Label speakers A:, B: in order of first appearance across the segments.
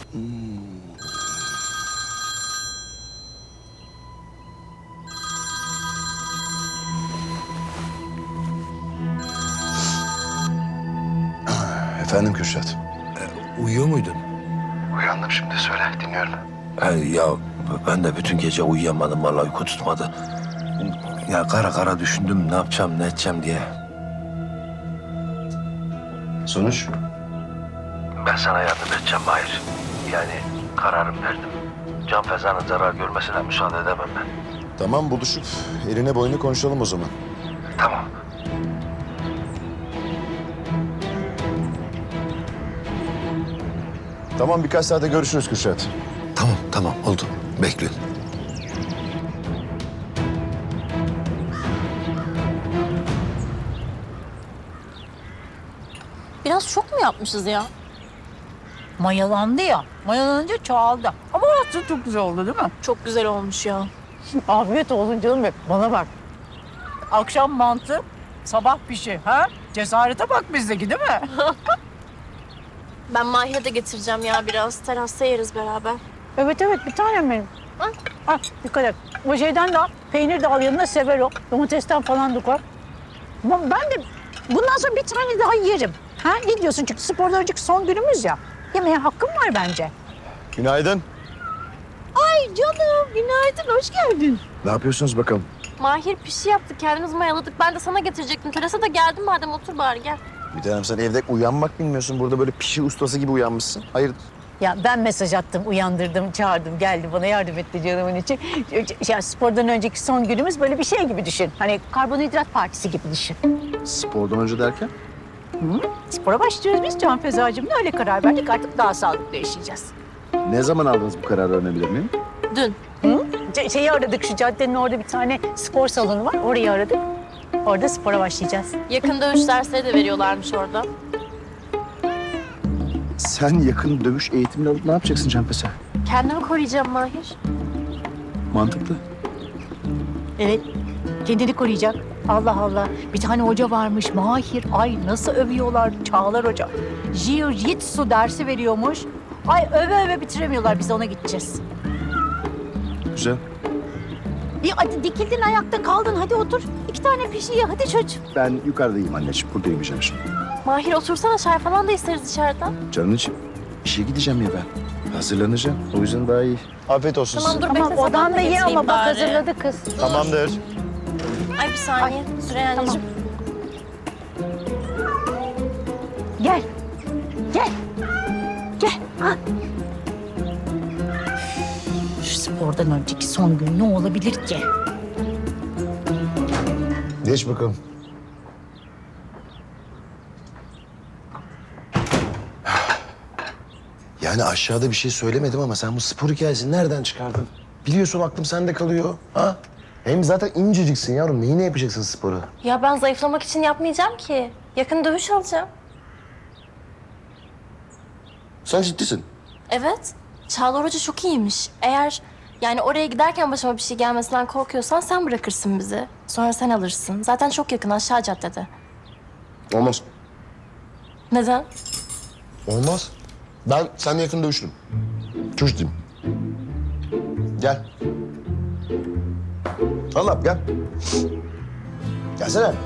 A: Efendim Kürşat.
B: Uyuyor muydun?
A: Uyandım şimdi, söyle, dinliyorum.
B: Ya ben de bütün gece uyuyamadım, vallahi uyku tutmadı. Ya kara kara düşündüm ne yapacağım ne edeceğim diye.
A: Sonuç?
B: Ben sana yardım edeceğim Mahir. Yani kararım verdim. Can Feza'nın zarar görmesine müsaade edemem ben.
A: Tamam, buluşup eline boyunu konuşalım o zaman.
B: Tamam.
A: Tamam, birkaç saate görüşürüz Kürşat.
B: Tamam oldu. Bekliyorum.
C: Biraz çok mu yapmışız ya?
D: Mayalandı ya. Mayalanınca çoğaldı. Ama aslında çok güzel oldu değil mi?
C: Çok güzel olmuş ya.
D: Afiyet olsun canım benim. Bana bak. Akşam mantı, sabah pişi. Ha? Cesarete bak bizdeki değil mi?
C: Ben Mahir'e de getireceğim ya biraz. Terasta yeriz beraber.
D: Evet bir tanem benim. Al dikkat et. O şeyden de al. Peynir de al yanına sever o. Domatesten falan da koy. Ama ben de bundan sonra bir tane daha yerim. Ha? Ne diyorsun? Çünkü spordan önceki son günümüz ya. Yemeğe hakkım var bence.
A: Günaydın.
C: Ay canım günaydın hoş geldin.
A: Ne yapıyorsunuz bakalım?
C: Mahir pişi yaptı kendimiz mayaladık. Ben de sana getirecektim. Terasa da geldim madem otur bari gel.
A: Bir tanem, sen evde uyanmak bilmiyorsun. Burada böyle pişi ustası gibi uyanmışsın. Hayır.
D: Ya ben mesaj attım, uyandırdım, çağırdım, geldi bana yardım etti canımın için. Ya spordan önceki son günümüz böyle bir şey gibi düşün. Hani karbonhidrat partisi gibi düşün.
A: Spordan önce derken?
D: Spora başlıyoruz biz Can Fezacığımla öyle karar verdik. Artık daha sağlıklı yaşayacağız.
A: Ne zaman aldınız bu kararı, öğrenebilir miyim?
C: Dün.
D: Şeyi aradık, şu caddenin orada bir tane spor salonu var. Orayı aradık. Orada spora başlayacağız.
C: Yakın dövüş dersleri de veriyorlarmış orada.
A: Sen yakın dövüş eğitimini alıp ne yapacaksın Canpese?
C: Kendimi koruyacağım Mahir.
A: Mantıklı.
D: Evet, kendini koruyacak. Allah Allah. Bir tane hoca varmış, Mahir. Ay nasıl övüyorlar Çağlar Hoca. Jiu-Jitsu dersi veriyormuş. Ay öve öve bitiremiyorlar. Biz de ona gideceğiz.
A: Güzel.
D: Hadi dikildin ayakta kaldın. Hadi otur. 2 tane pişi ye. Hadi çocuğum.
A: Ben yukarıdayım anneciğim. Burada yemeyeceğim şimdi.
C: Mahir otursana çay falan da isteriz dışarıdan.
A: Canın için. İşe gideceğim ya ben. Hazırlanacağım. O yüzden daha iyi. Afiyet olsun
C: Tamam
A: size.
C: dur
D: Tamam
C: bekle.
D: odan
C: sabah
D: da ye
C: getireyim
D: ama bak
C: bari.
D: hazırladı kız.
A: Tamamdır.
C: Ay bir saniye. Süreyya anneciğim.
D: Gel. Gel. Gel. Ha. Şu spordan önceki son gün ne olabilir ki?
A: Geç bakalım. Yani aşağıda bir şey söylemedim ama sen bu spor hikayesini nereden çıkardın? Biliyorsun aklım sende kalıyor. Ha? Hem zaten inceciksin yavrum. Neyine yapacaksın sporu?
C: Ya ben zayıflamak için yapmayacağım ki. Yakın dövüş alacağım.
A: Sen ciddisin.
C: Evet. Çağlar Hoca çok iyiymiş. Eğer yani oraya giderken başıma bir şey gelmesinden korkuyorsan sen bırakırsın bizi. Sonra sen alırsın. Zaten çok yakın aşağı caddede.
A: Olmaz.
C: Neden?
A: Olmaz. Ben seninle yakın dövüşürüm. Çok ciddiyim. Gel. Allah gel. Gelsene.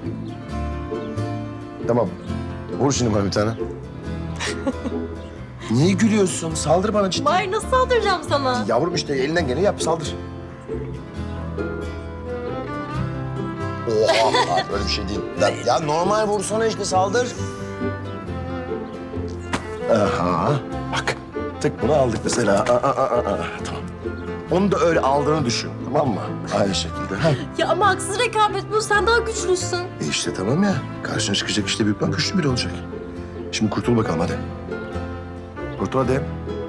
A: Tamam. Vur şimdi bana bir tane. Niye gülüyorsun? Saldır bana ciddi.
C: Mahir nasıl saldıracağım sana?
A: Yavrum işte elinden geleni yap, saldır. Oha, öyle bir şey değil. Ya normal vursana işte, saldır. Aha, bak. Tık bunu aldık mesela. Tamam. Onu da öyle aldığını düşün, tamam mı? Aynı şekilde. Heh.
C: Ya ama haksız rekabet bu. Sen daha güçlüsün.
A: İşte tamam ya. Karşına çıkacak işte büyük, güçlü biri olacak. Şimdi kurtul bakalım hadi. Kurtul hadi.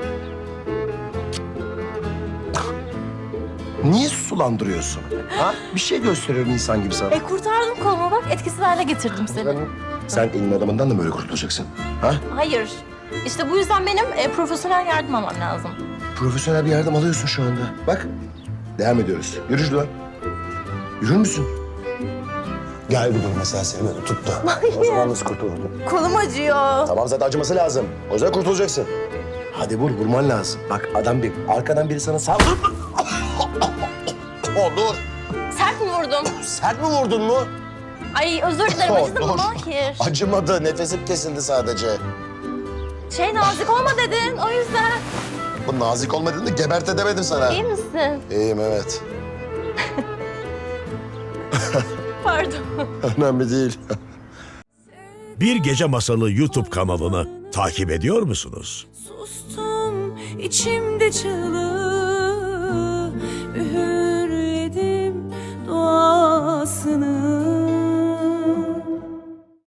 A: Niye sulandırıyorsun? Ha? Bir şey gösteriyorum insan gibi sana.
C: Kurtardım kolumu bak. Etkisiz hale getirdim seni.
A: Sen elin adamından da mı böyle kurtulacaksın? Ha?
C: Hayır. İşte bu yüzden benim profesyonel yardım almam lazım.
A: Profesyonel bir yardım alıyorsun şu anda. Bak, devam ediyoruz. Yürü şuradan. Yürür müsün? Gel bir dur mesela, seni böyle tuttu. O zaman nasıl kurtuldun?
C: Kolum acıyor.
A: Tamam, zaten acıması lazım. O yüzden kurtulacaksın. Hadi vur, vurman lazım. Bak adam bir, arkadan biri sana saldır. Dur.
C: Sert mi vurdum?
A: Sert mi vurdun mu?
C: Ay özür dilerim, acıdı mı Mahir?
A: Acımadı, nefesim kesildi sadece.
C: Nazik olma dedin, o yüzden.
A: Bu nazik olmadığını da geberte demedim sana.
C: İyi misin?
A: İyiyim, evet.
C: Pardon.
A: Önemli değil.
E: Bir Gece Masalı YouTube kanalını takip ediyor musunuz?
F: Sustum içimde çığlığı, üğürledim duasını.